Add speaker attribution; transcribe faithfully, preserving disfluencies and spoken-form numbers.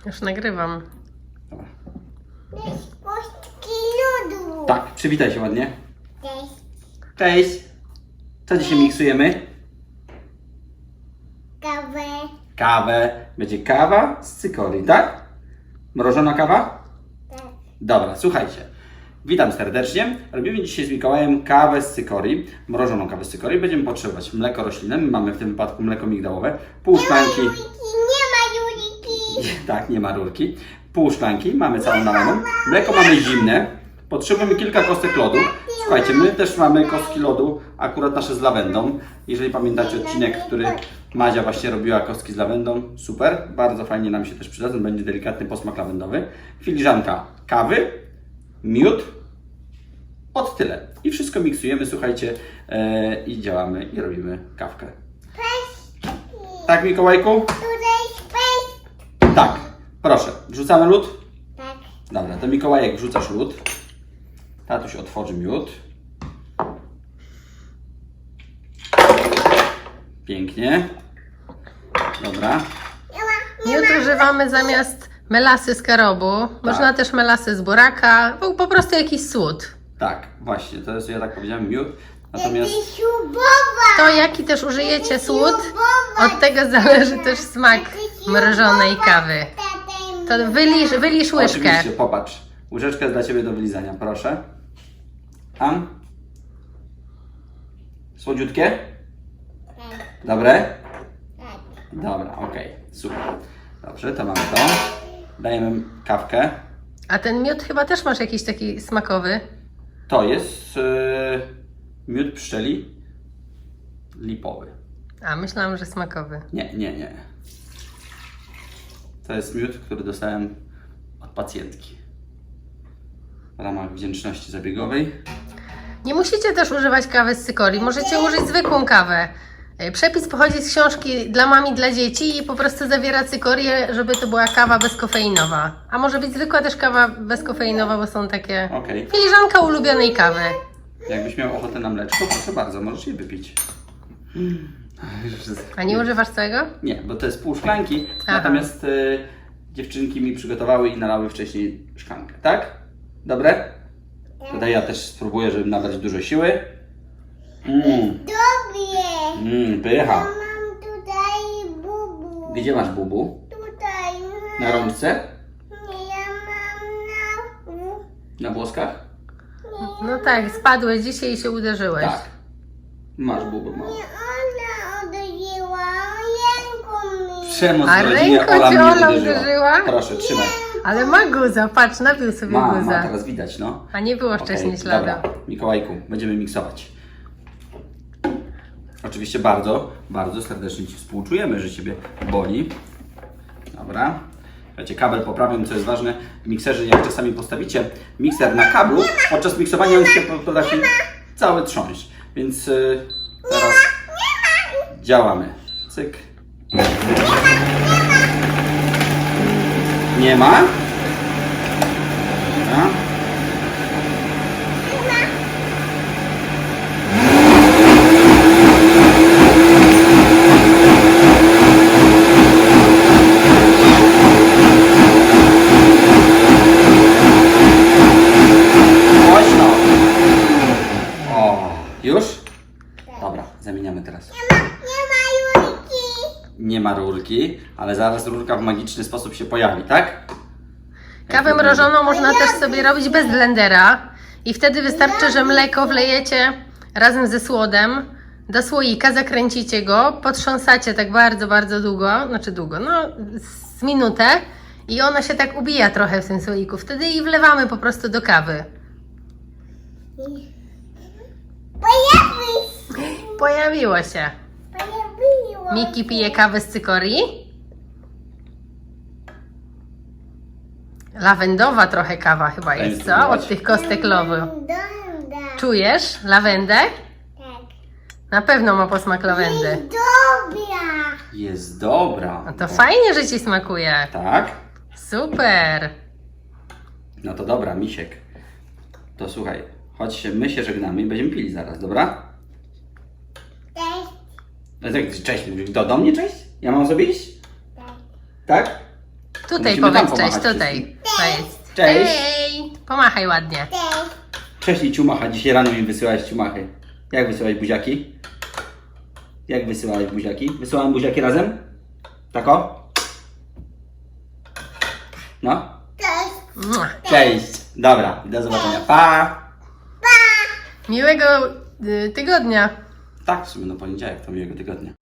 Speaker 1: Już nagrywam.
Speaker 2: Dobra.
Speaker 3: Kostki lodu.
Speaker 2: Tak, przywitaj się ładnie.
Speaker 3: Cześć.
Speaker 2: Cześć. Co dzisiaj miksujemy?
Speaker 3: Kawę.
Speaker 2: Kawę. Będzie kawa z cykorii, tak? Mrożona kawa?
Speaker 3: Tak.
Speaker 2: Dobra, słuchajcie. Witam serdecznie. Robimy dzisiaj z Mikołajem kawę z cykorii, mrożoną kawę z cykorii. Będziemy potrzebować mleko roślinne. My mamy w tym wypadku mleko migdałowe. Pół szklanki.
Speaker 3: Juliki, nie ma Juliki.
Speaker 2: Tak, nie ma rurki. Pół szklanki, mamy całą nalaną. Mleko mamy zimne. Potrzebujemy kilka kostek lodu. Słuchajcie, my też mamy kostki lodu, akurat nasze z lawendą. Jeżeli pamiętacie odcinek, w który Madzia właśnie robiła kostki z lawendą, super, bardzo fajnie nam się też przydadzą, będzie delikatny posmak lawendowy. Filiżanka kawy, miód, od tyle. I wszystko miksujemy, słuchajcie, e, i działamy i robimy kawkę.
Speaker 3: Pestki.
Speaker 2: Tak, Mikołajku?
Speaker 3: Tutaj pestki.
Speaker 2: Tak. Proszę, wrzucamy lód?
Speaker 3: Tak.
Speaker 2: Dobra, to Mikołajek wrzucasz lód. Tatuś otworzy miód. Pięknie. Dobra.
Speaker 1: Miód używamy zamiast melasy z karobu. Można też melasy z buraka. Był po prostu jakiś słód.
Speaker 2: Tak, właśnie, to jest, ja tak powiedziałem, miód. Natomiast
Speaker 3: Śrubowa.
Speaker 1: To jaki też użyjecie słód, od tego zależy też smak mrożonej kawy. To wylisz, wylisz łyżkę.
Speaker 2: oczywiście, popatrz. Łyżeczka jest dla Ciebie do wylizania, proszę. Am? Słodziutkie?
Speaker 3: Tak.
Speaker 2: Dobre?
Speaker 3: Tak.
Speaker 2: Dobra, okej, super. Dobrze, to mamy to. Dajemy kawkę.
Speaker 1: A ten miód chyba też masz jakiś taki smakowy.
Speaker 2: To jest yy, miód pszczeli lipowy.
Speaker 1: A, myślałam, że smakowy.
Speaker 2: Nie, nie, nie. To jest miód, który dostałem od pacjentki w ramach wdzięczności zabiegowej.
Speaker 1: Nie musicie też używać kawy z cykorii. Możecie użyć zwykłą kawę. E, Przepis pochodzi z książki Dla mam i dla dzieci i po prostu zawiera cykorię, żeby to była kawa bezkofeinowa. A może być zwykła też kawa bezkofeinowa, bo są takie...
Speaker 2: Okej.
Speaker 1: Filiżanka ulubionej kawy.
Speaker 2: Jakbyś miał ochotę na mleczko, proszę bardzo, możesz je wypić.
Speaker 1: A nie używasz całego?
Speaker 2: Nie, bo to jest pół szklanki,
Speaker 1: Aha.
Speaker 2: natomiast y, dziewczynki mi przygotowały i nalały wcześniej szklankę, tak? Dobre? Tutaj ja też spróbuję, żeby nabrać dużo siły. Mmm,
Speaker 3: Dobie.
Speaker 2: mmm, pycha.
Speaker 3: Mam tutaj bubu.
Speaker 2: Gdzie masz bubu?
Speaker 3: Tutaj.
Speaker 2: Na rączce?
Speaker 3: Nie, ja mam na...
Speaker 2: Na włoskach?
Speaker 1: No tak, spadłeś dzisiaj i się uderzyłeś.
Speaker 2: Tak. Masz bubu mało.
Speaker 3: Nie, ona uderzyła ręką mi.
Speaker 2: Przemoc
Speaker 1: A
Speaker 2: w rodzinie,
Speaker 1: ręką
Speaker 2: Ola
Speaker 1: cię
Speaker 2: mnie
Speaker 1: Ola
Speaker 2: uderzyła.
Speaker 1: uderzyła?
Speaker 2: Proszę, trzymaj.
Speaker 1: Ale ma guza, patrz, nabił sobie
Speaker 2: Ma, ma,
Speaker 1: guza.
Speaker 2: teraz widać, no.
Speaker 1: A nie było wcześniej
Speaker 2: Okej,
Speaker 1: śladu.
Speaker 2: Dobra, Mikołajku, będziemy miksować. Oczywiście bardzo, bardzo serdecznie Ci współczujemy, że Ciebie boli. Dobra. Słuchajcie, kabel poprawiam, co jest ważne. W mikserze, jak czasami postawicie mikser na kablu, podczas miksowania on się potrafi cały trząść. Więc yy, teraz działamy. Cyk. Nie ma? Dobra. Głośno. O, już? Dobra, zamieniamy teraz.
Speaker 3: Nie ma Juliki.
Speaker 2: Nie ma rurki, ale zaraz rurka w magiczny sposób się pojawi, tak?
Speaker 1: Kawę mrożoną można też sobie robić bez blendera i wtedy wystarczy, że mleko wlejecie razem ze słodem do słoika, zakręcicie go, potrząsacie tak bardzo, bardzo długo, znaczy długo, no z minutę i ona się tak ubija trochę w tym słoiku. Wtedy i wlewamy po prostu do kawy.
Speaker 3: Pojawi.
Speaker 1: Pojawiło się.
Speaker 3: Pojawiło.
Speaker 1: Miki pije kawę z cykorii. Lawendowa trochę kawa chyba jest, co? Od tych kostek lowy.
Speaker 3: Dąda.
Speaker 1: Czujesz lawendę?
Speaker 3: Tak.
Speaker 1: Na pewno ma posmak lawendy.
Speaker 3: Dobra.
Speaker 2: Jest dobra.
Speaker 1: No to fajnie, że Ci smakuje.
Speaker 2: Tak?
Speaker 1: Super.
Speaker 2: No to dobra, misiek. To słuchaj, chodź się, my się żegnamy i będziemy pili zaraz, dobra?
Speaker 3: Cześć.
Speaker 2: No tak, cześć, do, do mnie cześć? Ja mam sobie iść?
Speaker 3: Tak.
Speaker 2: Tak?
Speaker 1: Tutaj
Speaker 2: Musimy tam
Speaker 1: powiedz cześć,
Speaker 2: pomachać
Speaker 1: tutaj. Powiedz.
Speaker 2: Cześć.
Speaker 1: Hej. Pomachaj ładnie.
Speaker 3: Cześć.
Speaker 2: Cześć i ciumacha. Dzisiaj rano mi wysyłałeś ciumachy. Jak wysyłałeś buziaki? Jak wysyłałeś buziaki? Wysyłałem buziaki razem? Tako? No?
Speaker 3: Cześć.
Speaker 1: Mua.
Speaker 2: Cześć. Dobra, do zobaczenia. Pa!
Speaker 1: Miłego y, tygodnia.
Speaker 2: Tak, w sumie no poniedziałek to miłego tygodnia.